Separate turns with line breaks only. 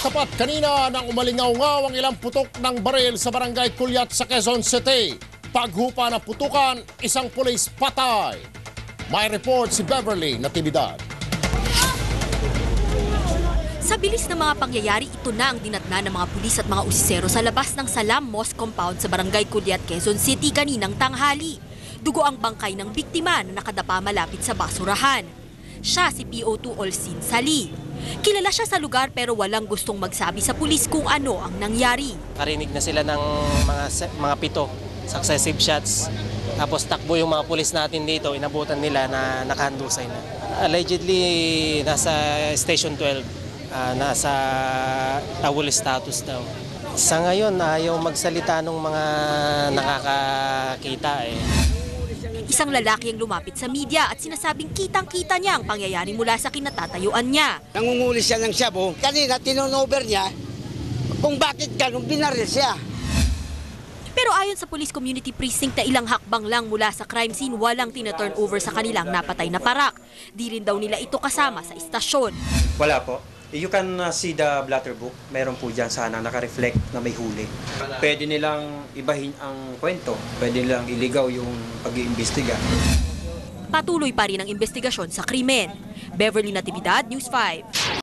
tapat kanina nang umalingaw-ngaw ang ilang putok ng baril sa barangay Kulyat sa Quezon City. Paghupa ng putukan, isang pulis patay. May report si Beverly Natividad.
Sa bilis ng mga pangyayari, ito na ang dinatna ng mga pulis at mga usisero sa labas ng Salam Mosque Compound sa barangay Kulyat, Quezon City kaninang tanghali. Dugo ang bangkay ng biktima na nakadapa malapit sa basurahan. Siya si PO2 Olsin Sali. Kilala siya sa lugar pero walang gustong magsabi sa pulis kung ano ang nangyari.
Karinig na sila ng mga 7 successive shots. Tapos takbo yung mga pulis natin dito, inabutan nila na nakahandusay na. Allegedly, nasa Station 12, nasa awol status daw. Sa ngayon, ayaw magsalita ng mga nakakakita eh.
Isang lalaki ang lumapit sa media at sinasabing kitang-kita niya ang pangyayari mula sa kinatatayuan niya.
Nangunguli siya ng shabu. Kanina, tinunover niya kung bakit ganun binaril siya.
Pero ayon sa Police Community Precinct na ilang hakbang lang mula sa crime scene, walang tina-turn over sa kanilang napatay na parak. Di rin daw nila ito kasama sa istasyon.
Wala po. You can see the blatter book. Meron po dyan sana naka-reflect na may huli. Pwede nilang ibahin ang kwento. Pwede nilang iligaw yung pag-iimbestiga.
Patuloy pa rin ang investigasyon sa krimen. Beverly Natividad, News 5.